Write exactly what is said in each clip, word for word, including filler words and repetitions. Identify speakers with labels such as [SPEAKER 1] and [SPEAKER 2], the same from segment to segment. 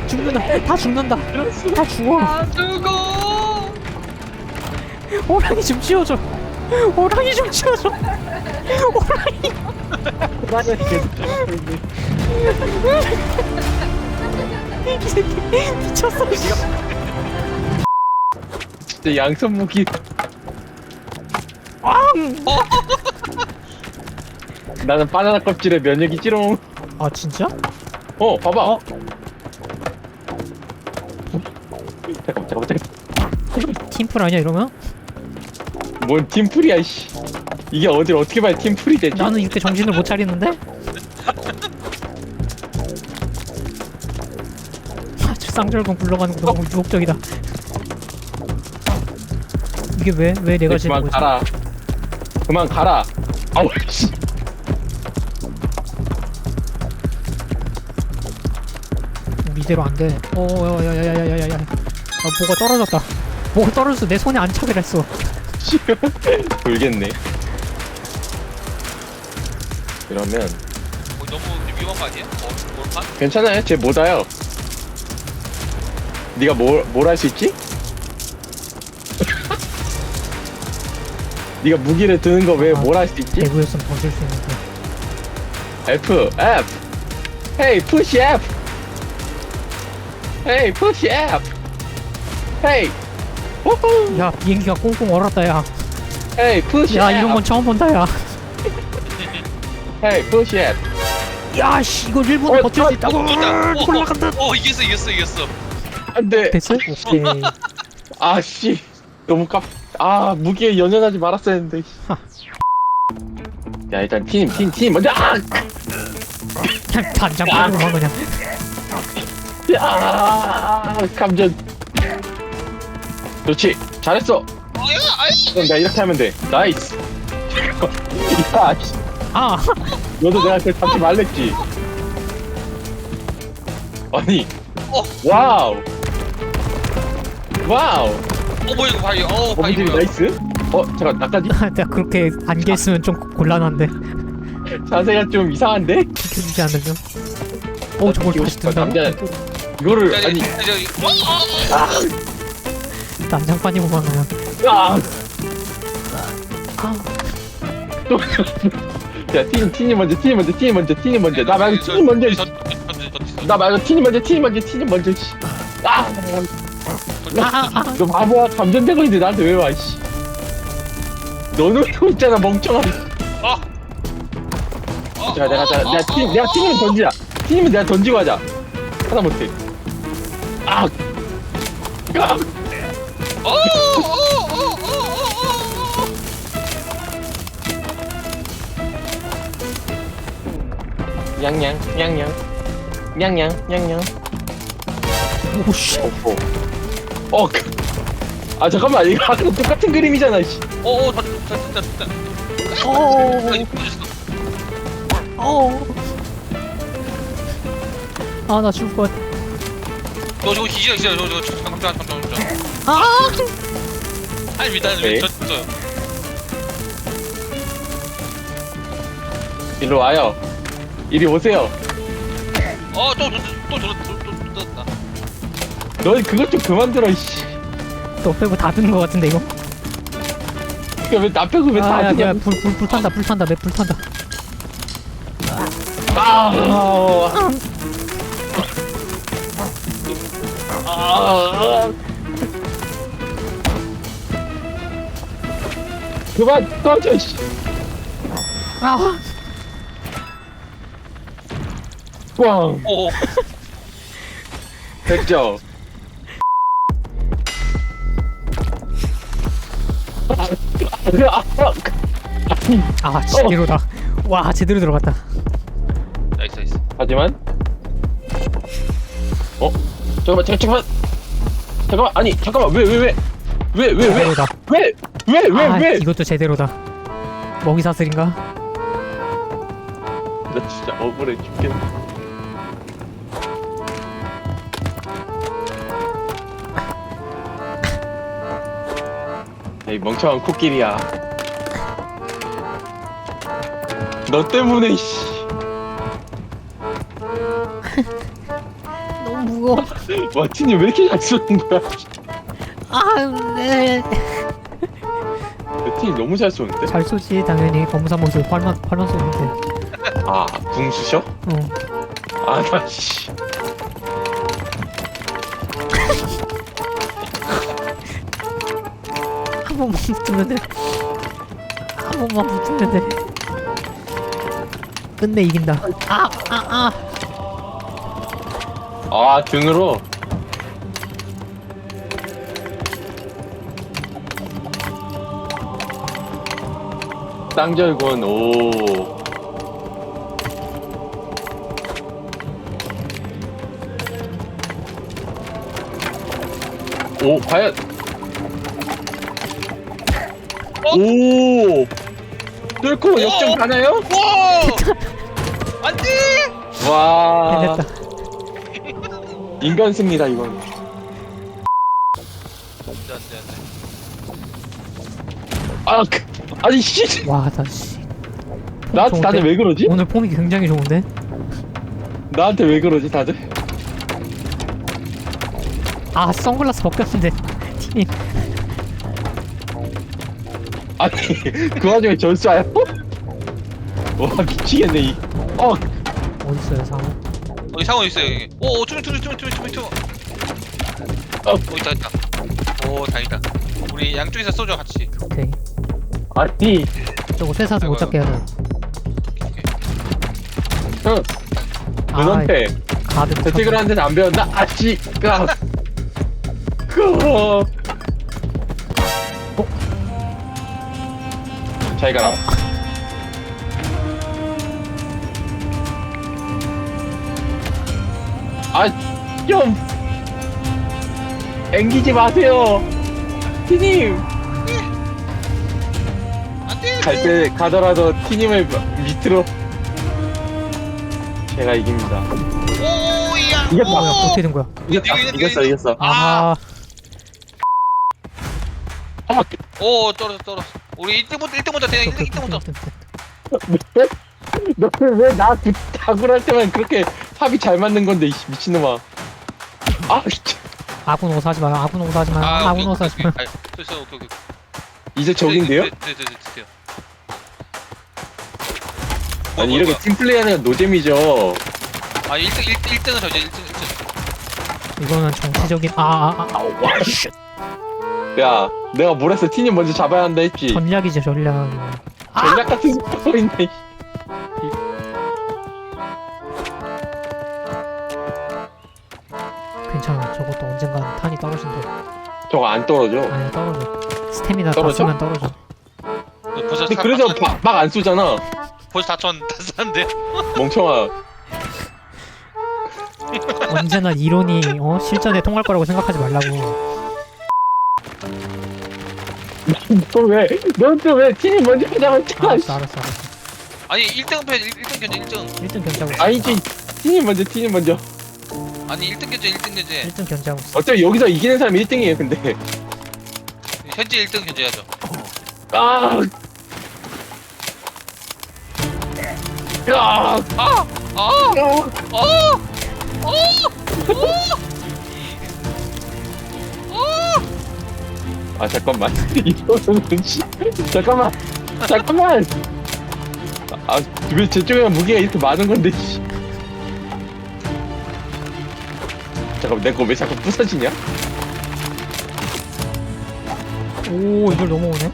[SPEAKER 1] 죽는다. 다 죽는다. 다 죽어.
[SPEAKER 2] 아 죽어.
[SPEAKER 1] 호랑이 좀 치워줘. 호랑이 좀 치워줘. 호랑이.
[SPEAKER 3] 호랑이 계속 잡고 있네.
[SPEAKER 1] 이 새끼 미쳤어.
[SPEAKER 3] 진짜 양손 무기.
[SPEAKER 1] 왕.
[SPEAKER 3] 나는 바나나 껍질에 면역이 찌롱.
[SPEAKER 1] 아 진짜?
[SPEAKER 3] 어, 봐봐.
[SPEAKER 1] 어?
[SPEAKER 3] 잠깐만, 잠깐만, 잠깐만.
[SPEAKER 1] 팀플 아니야 이러면?
[SPEAKER 3] 뭔 팀플이야, 씨. 이게 어딜 어떻게 봐야 팀플이 되지?
[SPEAKER 1] 나는 이렇게 정신을 못 차리는데? 아, 저 쌍절곤 굴러가는 거 너무 유혹적이다. 이게 왜? 왜 내가 지는
[SPEAKER 3] 그만
[SPEAKER 1] 거지?
[SPEAKER 3] 가라. 그만 가라. 아우, 씨.
[SPEAKER 1] 이대로 안 돼. 어, 야야야야야야야. 아, 뭐가 떨어졌다. 뭐가 떨어져서 내 손에 안 차기로 했어.
[SPEAKER 3] 돌겠네. 그러면
[SPEAKER 2] 어, 너무 위험한 거 아니야? 어, 몰판?
[SPEAKER 3] 괜찮아요. 쟤 못 와요. 네가 뭘 할 수 있지? 네가 무기를 드는 거 왜
[SPEAKER 1] 아,
[SPEAKER 3] 뭘 할 수 있지?
[SPEAKER 1] 대구였으면 던질 수 있는데.
[SPEAKER 3] F F. Hey, push F. Hey, push F. Hey. 우후.
[SPEAKER 1] 야, 비행기가 꽁꽁 얼었다, 야.
[SPEAKER 3] Hey, push
[SPEAKER 1] 야,
[SPEAKER 3] F.
[SPEAKER 1] 이런 건 처음 본다, 야.
[SPEAKER 3] Hey, push F.
[SPEAKER 1] 야, 씨, 이거 일 분
[SPEAKER 3] 어,
[SPEAKER 1] 버틸
[SPEAKER 3] 저-
[SPEAKER 1] 수 있다고.
[SPEAKER 2] 어, 어, 어,
[SPEAKER 1] 올라간다.
[SPEAKER 2] 어, 이겼어, 이겼어, 이겼어.
[SPEAKER 3] 안돼.
[SPEAKER 1] 됐어? 오케이.
[SPEAKER 3] 아 씨. 너무 깝. 아 무기에 연연하지 말았어야 했는데.
[SPEAKER 1] 하.
[SPEAKER 3] 야 일단 팀, 팀, 팀 먼저. 아!
[SPEAKER 1] 그냥 단장 빠르고만 그냥.
[SPEAKER 3] 야, 감전. 그렇지. 잘했어.
[SPEAKER 2] 어야, 아이.
[SPEAKER 3] 그럼 내가 이렇게 하면 돼. 나이스. 야, 씨.
[SPEAKER 1] 아,
[SPEAKER 3] 너도 내가 그걸 잡지 말랬지. 아니.
[SPEAKER 2] 어.
[SPEAKER 3] 와우. 와우.
[SPEAKER 2] 어, 뭐야 이거 바위. 어, 바위
[SPEAKER 3] 어머니
[SPEAKER 2] 뭐야?
[SPEAKER 3] 나이스. 어 잠깐 나까지
[SPEAKER 1] 내가 그렇게 안개했으면 좀 곤란한데.
[SPEAKER 3] 자세가 좀 이상한데.
[SPEAKER 1] 지켜주지 않으면. 오, 저걸
[SPEAKER 3] 지키고
[SPEAKER 1] 다시
[SPEAKER 3] 싶어,
[SPEAKER 1] 든다.
[SPEAKER 3] 남자. 이거를
[SPEAKER 2] 저기,
[SPEAKER 3] 아니.
[SPEAKER 2] 저기, 어, 어, 어.
[SPEAKER 3] 아,
[SPEAKER 1] 난장판이고만 그냥.
[SPEAKER 3] 아.
[SPEAKER 1] 아,
[SPEAKER 3] 또. 야, 팀, 팀이 먼저, 팀이 먼저, 팀이 먼저, 팀이 먼저. 나 말고 팀이 먼저. 씨. 나 말고 팀이 먼저, 팀이 먼저, 팀이 먼저. 씨. 아,
[SPEAKER 1] 아, 아.
[SPEAKER 3] 너 바보야. 감전되고 있는데 나한테 왜 와, 씨. 너는 또 있잖아, 멍청아.
[SPEAKER 2] 어.
[SPEAKER 3] 자, 내가, 자, 내가 팀, 내가 팀을 던지자. 팀은 내가 던지고 하자. 하나 못해. 아. 아.
[SPEAKER 2] 어, 어, 어, 어, 어, 어.
[SPEAKER 3] 냥냥, 냥냥, 냥냥, 냥냥.
[SPEAKER 1] 오, 씨.
[SPEAKER 3] 어, 어. 어, 그- 아 잠깐만 이거 아까 똑같은 그림이잖아. 씨.
[SPEAKER 2] 어, 어, 다, 다, 다, 다, 다.
[SPEAKER 1] 어,
[SPEAKER 2] 아니, 부러졌어.
[SPEAKER 1] 어. 아, 나 죽을 것 같아.
[SPEAKER 2] 너 저거 기지가 있어요. 저, 저, 저, 잠깐, 잠깐, 잠깐, 잠깐.
[SPEAKER 1] 아!
[SPEAKER 2] 아니 일단
[SPEAKER 3] 네.
[SPEAKER 2] 저, 저,
[SPEAKER 3] 일로 와요. 이리 오세요.
[SPEAKER 2] 어, 또, 또, 또, 또, 또, 또, 또, 또,
[SPEAKER 3] 너 그것 좀 그만 들어. 씨.
[SPEAKER 1] 너 빼고 다 드는 것 같은데, 이거?
[SPEAKER 3] 이거 왜나 빼고 왜다
[SPEAKER 1] 아, 야,
[SPEAKER 3] 하냐?
[SPEAKER 1] 야, 불, 불, 불 탄다, 불 탄다, 맵불 탄다.
[SPEAKER 3] 아, 아, 아, 그만 꺼져. 씨.
[SPEAKER 1] 아!
[SPEAKER 3] 꽝.
[SPEAKER 2] 어,
[SPEAKER 3] 됐죠.
[SPEAKER 1] 아, 제대로다. 와, 제대로 들어갔다.
[SPEAKER 2] 나이스, 나이스.
[SPEAKER 3] 하지만 어? 잠깐만 잠깐 잠깐만 잠깐만 아니 잠깐만 왜 왜 왜 왜 왜 왜
[SPEAKER 1] 제대로다.
[SPEAKER 3] 왜 왜 왜
[SPEAKER 1] 아,
[SPEAKER 3] 왜
[SPEAKER 1] 이것도 제대로다. 먹이 사슬인가?
[SPEAKER 3] 나 진짜 억울해 죽겠네. 이 멍청한 코끼리야. 너 때문에 씨.
[SPEAKER 1] 너무 무거워.
[SPEAKER 3] 와 티님 왜 이렇게 잘 쏘는 거야?
[SPEAKER 1] 아, 네.
[SPEAKER 3] 티님 너무 잘 쏘는데?
[SPEAKER 1] 잘 쏘지 당연히 검사 모습 활만 활만 쏘는데.
[SPEAKER 3] 아 궁수셔?
[SPEAKER 1] 어.
[SPEAKER 3] 아나 씨.
[SPEAKER 1] 한 번만 붙으면 돼. 한 번만 붙으면 돼. 끝내 이긴다. 아, 아, 아.
[SPEAKER 3] 아 등으로. 쌍절곤 오. 오 과연.
[SPEAKER 2] 어?
[SPEAKER 3] 오. 뚫고 역전 가나요?
[SPEAKER 2] 와! 안 돼!
[SPEAKER 3] 와.
[SPEAKER 1] 해냈다.
[SPEAKER 3] 인간 승리다 이건.
[SPEAKER 2] 안 돼, 안 돼, 안 돼.
[SPEAKER 3] 아 그, 아니 씨.
[SPEAKER 1] 와, 나 씨.
[SPEAKER 3] 나한테 다들 왜 그러지?
[SPEAKER 1] 오늘 폼이 굉장히 좋은데?
[SPEAKER 3] 나한테 왜 그러지 다들?
[SPEAKER 1] 아, 선글라스 벗겼는데. 팀.
[SPEAKER 3] 아니 그 와중에 전수아요? 와 미치겠네 이. 어.
[SPEAKER 1] 어딨어요, 상어?
[SPEAKER 2] 여기 상어 있어요, 여기. 오, 오, 투명, 투명, 투명, 투명, 투명, 투명.
[SPEAKER 3] 어.
[SPEAKER 2] 오, 있다, 있다. 오, 다행이다. 우리 양쪽에서 쏘죠, 같이.
[SPEAKER 1] 오케이.
[SPEAKER 3] 아니.
[SPEAKER 1] 저거 쇠사슬 못 잡게 하자.
[SPEAKER 3] 형.
[SPEAKER 1] 아,
[SPEAKER 3] 너한테
[SPEAKER 1] 가드
[SPEAKER 3] 대책을 하는데 안 배웠나? 아씨. 까. 그. 어? 잘 가라. 아, 좀 앵기지 마세요, 티님.
[SPEAKER 2] 안 돼!
[SPEAKER 3] 갈 때 가더라도 티님을 밑으로 제가 이깁니다.
[SPEAKER 2] 오, 야!
[SPEAKER 3] 이겼다.
[SPEAKER 1] 뭐야,
[SPEAKER 2] 오!
[SPEAKER 1] 어떻게 된 거야?
[SPEAKER 3] 이겼다,
[SPEAKER 2] 이겼다,
[SPEAKER 3] 이겼어, 이겼어.
[SPEAKER 1] 아,
[SPEAKER 3] 아,
[SPEAKER 2] 오, 떨어졌어, 떨어졌어. 우리 일 등부터, 일 등부터 되네, 일 등, 일 등부터.
[SPEAKER 3] 너왜나 다굴 할 때만 그렇게 합이 잘 맞는 건데 이 미친놈아. 아, 진짜.
[SPEAKER 1] 아군 오사하지 마요. 아군 오사하지 마요.
[SPEAKER 2] 아,
[SPEAKER 1] 아군 오사하지 마요.
[SPEAKER 2] 오케이. 됐어, 오케이, 오케이.
[SPEAKER 3] 이제 적인데요?
[SPEAKER 2] 네, 네, 네, 네, 드세요.
[SPEAKER 3] 아니
[SPEAKER 2] 뭐야,
[SPEAKER 3] 이렇게
[SPEAKER 2] 뭐야.
[SPEAKER 3] 팀플레이하는 노잼이죠.
[SPEAKER 2] 아, 일 등, 일 등, 일 등은 저지, 일 등, 일 등.
[SPEAKER 1] 이거는 정치적인 아, 아, 아,
[SPEAKER 3] 와, 씨. 야, 내가 뭘 했어? 티님 먼저 잡아야 한다 했지.
[SPEAKER 1] 전략이죠, 전략.
[SPEAKER 3] 전략 같은 소 있네.
[SPEAKER 1] 괜찮아. 저것도 언젠간 탄이 떨어진다.
[SPEAKER 3] 저거 안 떨어져.
[SPEAKER 1] 아니, 떨어져. 스태미나 다
[SPEAKER 3] 떨어져?
[SPEAKER 1] 쓰면 떨어져.
[SPEAKER 2] 벌써
[SPEAKER 3] 근데
[SPEAKER 2] 다-
[SPEAKER 3] 그래서
[SPEAKER 2] 다-
[SPEAKER 3] 막 안 쏘잖아.
[SPEAKER 2] 벌써 다천 다 쐈는데.
[SPEAKER 3] 멍청아.
[SPEAKER 1] 언제나 이론이 어? 실전에 통할 거라고 생각하지 말라고.
[SPEAKER 3] 너 왜? 넌또왜 티님 먼저 하자고 했잖아.
[SPEAKER 1] 알았어, 알았어, 알았어.
[SPEAKER 2] 아니, 일 등 패, 일 등 견제, 일 등.
[SPEAKER 1] 일 등 견제하고 있어.
[SPEAKER 3] 아니지. 티님 먼저, 티님 먼저.
[SPEAKER 2] 아니, 일 등 견제, 일 등 견제.
[SPEAKER 1] 일 등 견제하고 있어.
[SPEAKER 3] 어차피 여기서 이기는 사람이 일 등이에요. 근데.
[SPEAKER 2] 현재 일 등 견제하죠.
[SPEAKER 3] 아. 야.
[SPEAKER 2] 아! 아!
[SPEAKER 3] 아.
[SPEAKER 2] 아!
[SPEAKER 3] 아 잠깐만. 이거는 씨. 잠깐만. 잠깐만. 아, 왜 저쪽에 무게가 이렇게 많은 건데, 씨. 잠깐만, 내 거 왜 자꾸 부서지냐?
[SPEAKER 1] 오, 이걸 넘어오네.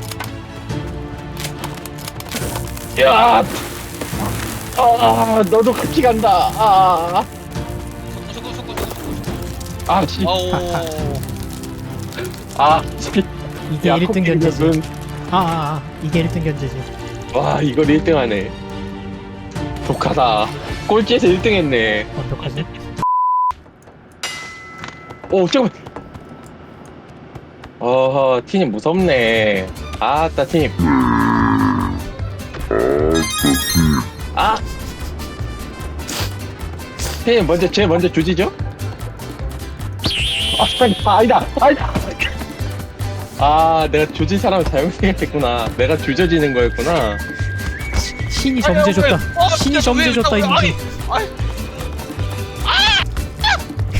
[SPEAKER 3] 야! 아, 너도 같이 간다. 아,
[SPEAKER 2] 속구, 속구, 속구, 속구.
[SPEAKER 3] 아, 씨.
[SPEAKER 2] 아오.
[SPEAKER 3] 아, 씨.
[SPEAKER 1] 이게
[SPEAKER 3] 야,
[SPEAKER 1] 일 등
[SPEAKER 3] 코끼리
[SPEAKER 1] 견제지.
[SPEAKER 3] 녀석은.
[SPEAKER 1] 아, 아, 아, 이게 일 등 견제지.
[SPEAKER 3] 와, 이걸 일 등 하네. 독하다. 꼴찌에서 일 등 했네.
[SPEAKER 1] 완벽하지?
[SPEAKER 3] 오, 잠깐만. 어허, 티님 무섭네. 아따, 티님. 아! 티님 먼저, 제 먼저 조지죠? 아, 아니, 아니다, 아니다. 아, 내가 조질 사람을 잘못 생각했구나. 내가 조져지는 거였구나.
[SPEAKER 1] 신이
[SPEAKER 2] 아니,
[SPEAKER 1] 점제줬다.
[SPEAKER 2] 어,
[SPEAKER 1] 신이
[SPEAKER 2] 진짜 왜
[SPEAKER 1] 점제줬다,
[SPEAKER 2] 이러고,
[SPEAKER 1] 이미지.
[SPEAKER 2] 아니,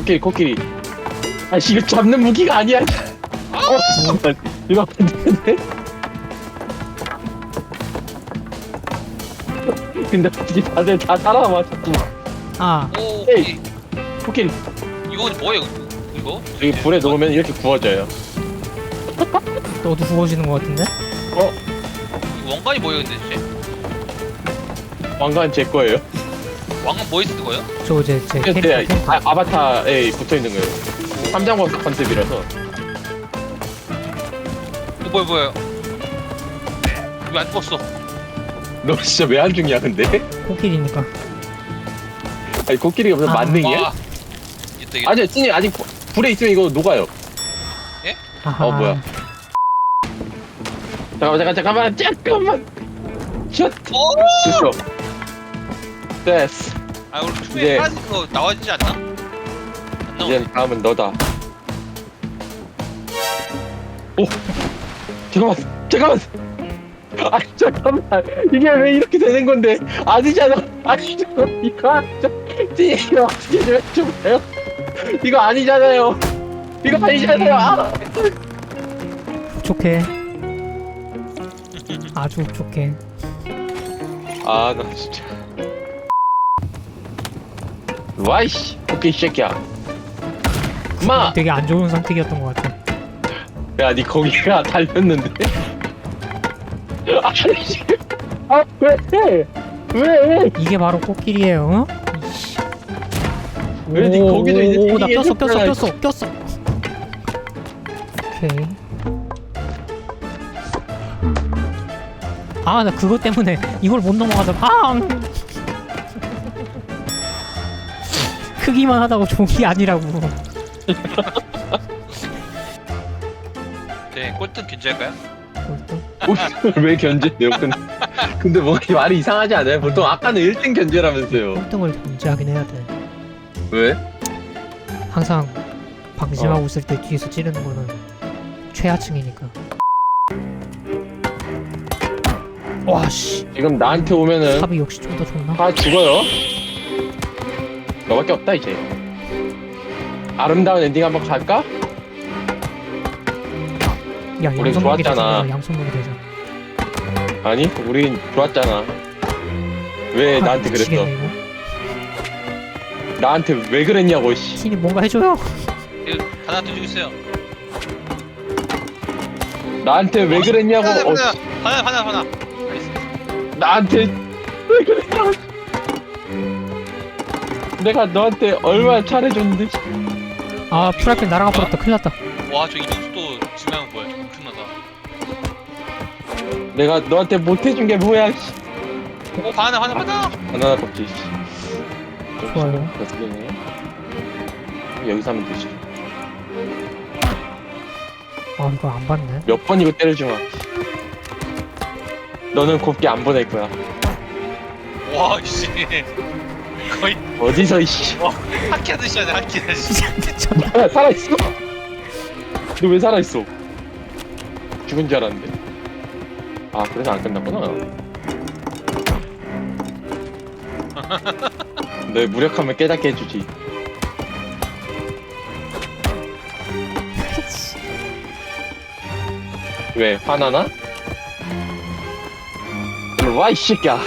[SPEAKER 3] 코끼리 코끼리. 아 이거 잡는 무기가 아니야. 어 잠깐만 이거 안 되는데. 근데 어떻게 다들 다 살아남아 잠깐만.
[SPEAKER 1] 아
[SPEAKER 2] 오
[SPEAKER 3] 에이.
[SPEAKER 2] 오케이.
[SPEAKER 3] 코끼리
[SPEAKER 2] 이건 뭐예요 이거?
[SPEAKER 3] 여기 불에 놓으면 이렇게 구워져요.
[SPEAKER 1] 너도 구워지는 것 같은데?
[SPEAKER 3] 어
[SPEAKER 2] 이거 왕관이 뭐예요 근데 대체?
[SPEAKER 3] 왕관 제 거예요.
[SPEAKER 2] 왕관 뭐에 쓰는 거예요?
[SPEAKER 1] 저 이제 제
[SPEAKER 3] 근데
[SPEAKER 1] 캐릭터 캐릭터.
[SPEAKER 3] 아, 아바타에 붙어 있는 거예요. 삼장관 컨셉이라서.
[SPEAKER 2] 이거 뭐야 뭐야 왜 안 죽었어?
[SPEAKER 3] 너 진짜 왜 안 죽냐 근데?
[SPEAKER 1] 코끼리니까.
[SPEAKER 3] 아니 코끼리가 무슨
[SPEAKER 1] 아,
[SPEAKER 3] 만능이야?
[SPEAKER 2] 와 이때 이게
[SPEAKER 3] 아니 찐이 아직 부- 불에 있으면 이거 녹아요.
[SPEAKER 1] 아하.
[SPEAKER 3] 어 뭐야? 잠깐만 잠깐 잠깐만 잠깐만. 샷.
[SPEAKER 2] 어!
[SPEAKER 3] 됐어. 됐어.
[SPEAKER 2] 아 우리 초에
[SPEAKER 3] 이제-
[SPEAKER 2] 빠진 거 나와지지 않나? 안 나와.
[SPEAKER 3] 이제 다음은 너다. 오. 잠깐만 잠깐만. 아 잠깐만 이게 왜 이렇게 되는 건데? 아니잖아. 아니잖아. 이거 아니잖아. 찐이 이거 어떻게 좀 해줘봐요. 이거 아니잖아요. 이거 아니잖아요. 아.
[SPEAKER 1] 흡족해. 아주 흡족해.
[SPEAKER 3] 아, 나 진짜. 와이씨, 오케이, 새끼야. 마!
[SPEAKER 1] 되게 안 좋은 선택이었던 것 같아.
[SPEAKER 3] 야, 니 거기가 달렸는데? 아니, 아, 왜? 왜?
[SPEAKER 1] 이게 바로 코끼리예요. 어? 이씨.
[SPEAKER 3] 왜 니
[SPEAKER 1] 오,
[SPEAKER 3] 거기도 이제
[SPEAKER 1] 오, 오, 나
[SPEAKER 3] 튀기게
[SPEAKER 1] 꼈어 꼈어
[SPEAKER 3] 해줬잖아.
[SPEAKER 1] 꼈어 꼈어. 오케이. 아 나 그것 때문에 이걸 못 넘어가서 아 크기만 하다고 좋은 게 아니라고.
[SPEAKER 2] 네 꼴등 견제할까요?
[SPEAKER 3] 꼴등을 왜 견제해요? 근데, 근데 뭔가 이 말이 이상하지 않아요? 보통 아까는 일 등 견제라면서요.
[SPEAKER 1] 꼴등을 견제하긴 해야 돼.
[SPEAKER 3] 왜?
[SPEAKER 1] 항상 방심하고
[SPEAKER 3] 어.
[SPEAKER 1] 있을 때 뒤에서 찌르는 거는 최하층이니까. 와씨
[SPEAKER 3] 지금 나한테 오면은
[SPEAKER 1] 삽이 역시 좀 더 좋나?
[SPEAKER 3] 다 죽어요. 너밖에 없다, 이제. 아름다운 엔딩 한번 갈까?
[SPEAKER 1] 야
[SPEAKER 3] 우리
[SPEAKER 1] 양손목이
[SPEAKER 3] 좋았잖아.
[SPEAKER 1] 되잖아. 양손목이 되잖아.
[SPEAKER 3] 아니, 우린 좋았잖아. 왜
[SPEAKER 1] 아,
[SPEAKER 3] 나한테 그랬어?
[SPEAKER 1] 미치겠네, 이거.
[SPEAKER 3] 나한테 왜 그랬냐고, 씨.
[SPEAKER 1] 신이 뭔가 해줘요.
[SPEAKER 2] 이거 하나 더 주고 있어요.
[SPEAKER 3] 나한테 왜 그랬냐고.
[SPEAKER 2] 하나
[SPEAKER 3] 어,
[SPEAKER 2] 하나 하나 하나 하나. 나이스.
[SPEAKER 3] 나한테 왜 그랬냐고. 내가 너한테 얼마나 잘해줬는데.
[SPEAKER 1] 아 프라이팬 날아가 버렸다. 큰일 났다.
[SPEAKER 2] 와저 이동 속도 중요한 거야. 좀 큰나다.
[SPEAKER 3] 내가 너한테 못해준 게 뭐야. 씨.
[SPEAKER 2] 오 하나 하나 하나.
[SPEAKER 3] 바나나 껍질. 씨. 좀
[SPEAKER 1] 좋아요.
[SPEAKER 3] 거슬리네. 여기서 하면 되지.
[SPEAKER 1] 아 이거 안 봤네.
[SPEAKER 3] 몇 번 이거 때려주마. 너는 곱게 안 보낼 거야.
[SPEAKER 2] 와 씨. 거의
[SPEAKER 3] 어디서 이씨.
[SPEAKER 2] 하키 하듯이 하네 하키 하듯이.
[SPEAKER 1] 진짜 미쳤나?
[SPEAKER 3] 야, 살아있어. 너 왜 살아있어? 죽은 줄 알았는데. 아, 그래서 안 끝났구나. 너의 무력함을 깨닫게 해주지. 왜, 화나나? 일로 와, 이 새끼야.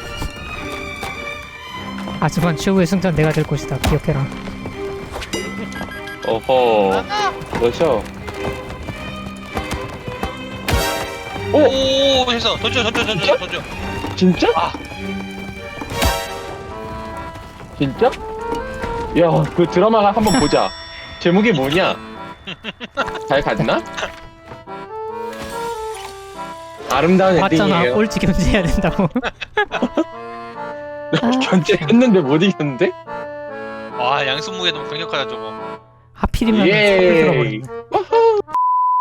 [SPEAKER 1] 하지만 최후의 승자는 내가 될 것이다. 기억해라.
[SPEAKER 3] 어허. 너셔.
[SPEAKER 2] 오 됐어 던져 던져 던져 던져.
[SPEAKER 3] 진짜?
[SPEAKER 2] 아.
[SPEAKER 3] 진짜? 야, 그 드라마가 한번 보자. 제목이 뭐냐? 잘 갔나? 아름다운
[SPEAKER 1] 봤잖아.
[SPEAKER 3] 엔딩이에요.
[SPEAKER 1] 꼴찌 견제해야 된다고. 아,
[SPEAKER 3] 견제했는데 못 이겼는데?
[SPEAKER 2] 와 양손 무게 너무 강력하다 저거.
[SPEAKER 1] 하필이면
[SPEAKER 3] 예.
[SPEAKER 1] 손을 들어버렸네.
[SPEAKER 3] 와후.